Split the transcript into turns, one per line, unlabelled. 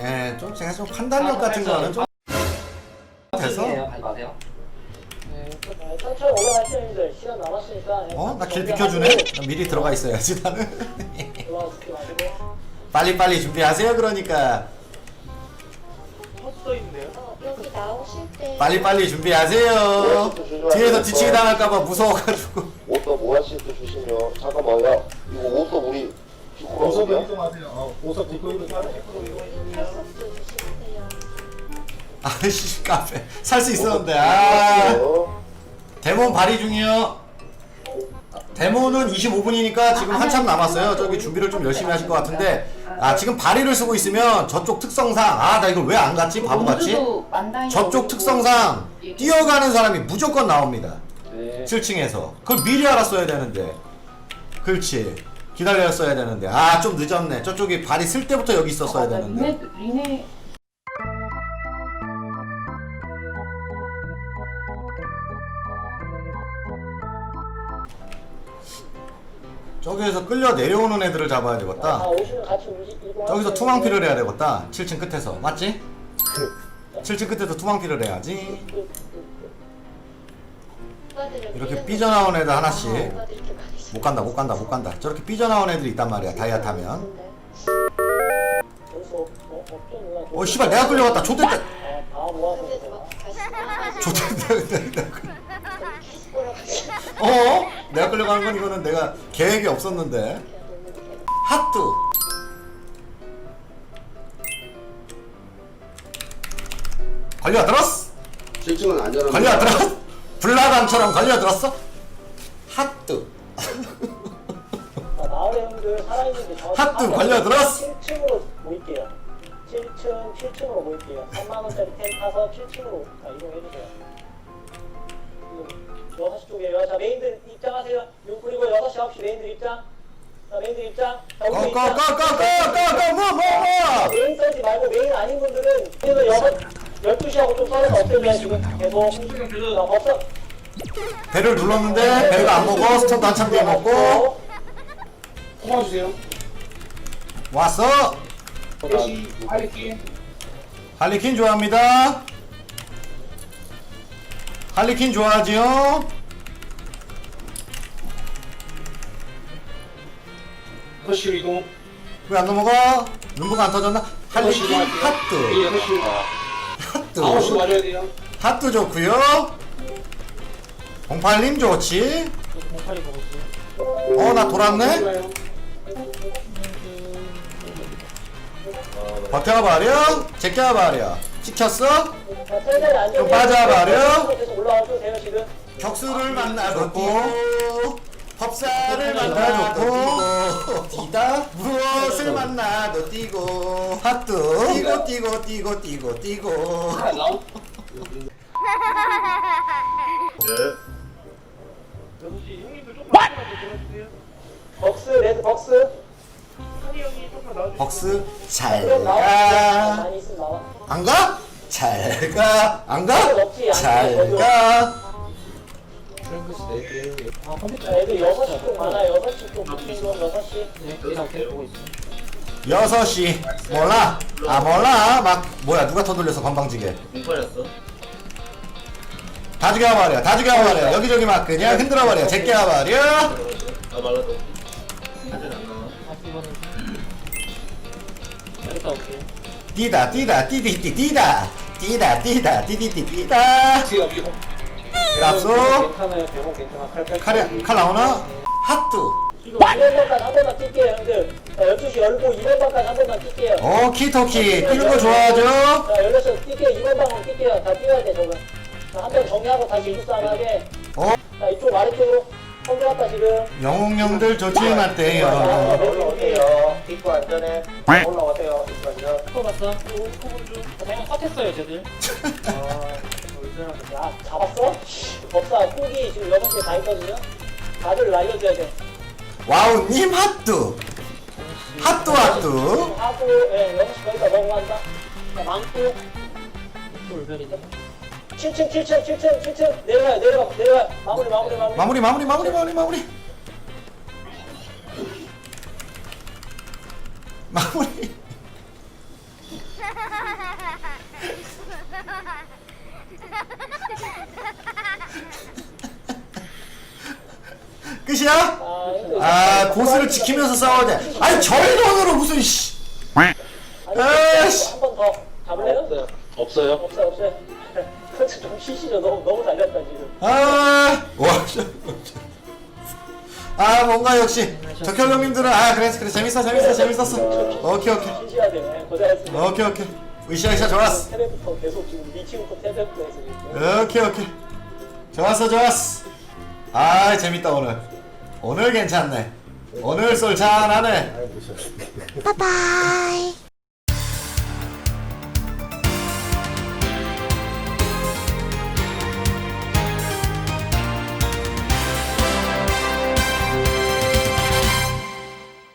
예, 좀 제가 좀 판단력 같은 거는 좀 돼서.
마세요.
천천히 올라가시는 분들 시간 남았으니까.
나 길 비켜주네? 나 미리 들어가 있어야지 나는.
올라가시지 마시고.
빨리빨리 준비하세요 그러니까.
여기 나오실 때
빨리빨리 준비하세요. 뒤에서 뒤치기 당할까봐 무서워가지고.
옷도 모아씨 또 주시면 잠깐만요. 이거 옷도 우리 주꾸라고요?
팔석도 주시세요.
아이씨 카페 살 수 있었는데. 아 데몬 발휘 중이요. 데몬은 25분이니까 지금 한참 남았어요. 저기 준비를 좀 열심히 하실 것 같은데, 지금 발휘를 쓰고 있으면 저쪽 특성상, 나 이걸 왜 안 갔지? 바보같이. 저쪽 특성상 뛰어가는 사람이 무조건 나옵니다. 7층에서 그걸 미리 알았어야 되는데. 그렇지, 기다렸어야 되는데. 좀 늦었네. 저쪽이 발이 쓸 때부터 여기 있었어야 되는데.
리네
저기에서 끌려 내려오는 애들을 잡아야 되겠다.
오시면 같이 이동하세요.
저기서 투망피를 해야 되겠다. 7층 끝에서. 맞지? 7층 끝에서 투망피를 해야지. 이렇게 삐져나온 애들 하나씩. 못 간다. 저렇게 삐져나온 애들이 있단 말이야, 다이아 타면. 씨발, 내가 끌려갔다. 좆됐다. 좆됐다. 내가 끌려가는 건 이거는 내가 계획이 없었는데. 핫뚜. 걸려들었어.
7층은 안전합니다.
걸려들었어. 불나방처럼 걸려들었어. 핫뚜.
마을의 형들 살아있는데
핫뚜 걸려들었어.
7층으로 모일게요. 7층으로 모일게요. 3만원짜리 템 타서 7층으로 이동해주세요. 6시 쪽이에요. 자, 메인들 입장하세요. 그리고 6시, 9시 메인들 입장. 자, 메인들 입장. 자, 우리 입장.
뭐.
메인 써지 말고 메인 아닌 분들은 그래서 12시하고 좀 썰어서 없애면 지금 계속 없어.
배를 눌렀는데 배가 안 먹어. 스턴도 한참 뒤에 먹고.
뽑아주세요.
왔어. 할리퀸 좋아합니다. 할리퀸 좋아하지요.
허쉬 이동.
왜 안 넘어가? 눈부가 안 터졌나? 할리퀸 핫뚜. 핫뚜.
맞아야 돼요.
핫뚜 좋구요. 08님 좋지. 나 돌았네. 버텨버려. 제껴버려. 찍혔어? 좀 빠져버려.
계속 올라와도 돼요 지금.
격수를 만나고 법사를 만나고 뛰다 무엇을 만나도 뛰고 핫뚜 뛰고
벅스 레드 벅스.
벅스
그럼
잘가.
많이 있으면 나와.
안가? 잘가. 안가? 잘가.
애들 6시 쪽 많아. 6시 쪽 붙인 건 6시.
이렇게 보고 있어요.
6시 몰라. 몰라. 막 뭐야, 누가 터돌려서 건방지게 다 죽여버려. 여기저기 막 그냥 흔들어버려. 제껴버려.
여기다 올게요.
뛰다 랍소.
괜찮아요. 대본 괜찮아.
칼 나오나? 핫뚜.
이거 2번까지 한 번만 뛸게요 형들. 자, 12시 열고 2번까지 한 번만 뛸게요.
키토키 뛰는 거 좋아하죠?
자 16시 뛸게요. 2번 방으로 뛸게요. 다 뛰어야 돼 저거. 자, 한 번 정리하고 다시 일상하게. 자 이쪽 아래쪽으로 성공했다 지금.
영웅령들 조심하세요.
올라오세요. 입구 안전에 올라오세요. 입구 안전. 입구 봤어? 입구 좀. 그냥 컷했어요 쟤들. 야 잡았어? 법사 꾹이 지금 6개 다 있거든요. 다들 날려줘야 돼.
와우님 핫뚜. 핫뚜.
하고 6시 거기다 넘어간다. 자 망고. 돌별이다. 7층 내려가. 마무리.
끝이야?
형들
아 고스를 지키면서 싸워야 돼. 아니 저희 돈으로 무슨 씨. 에이씨.
한번 더 잡을래요?
없어요.
없어요. 그렇지 좀 쉬시죠. 너무 달렸다 지금.
아 뭔가 역시 적혈 형님들은 그래 재밌었어. 오케이
쉬셔야 돼. 네, 고생했습니다.
오케이 으쌰 좋았어.
테레부터 계속 지금 미치부터 테레부터 해서 지금.
오케이 좋았어. 아 재밌다 오늘 괜찮네. 오늘 쏠 잘하네.
바이바이.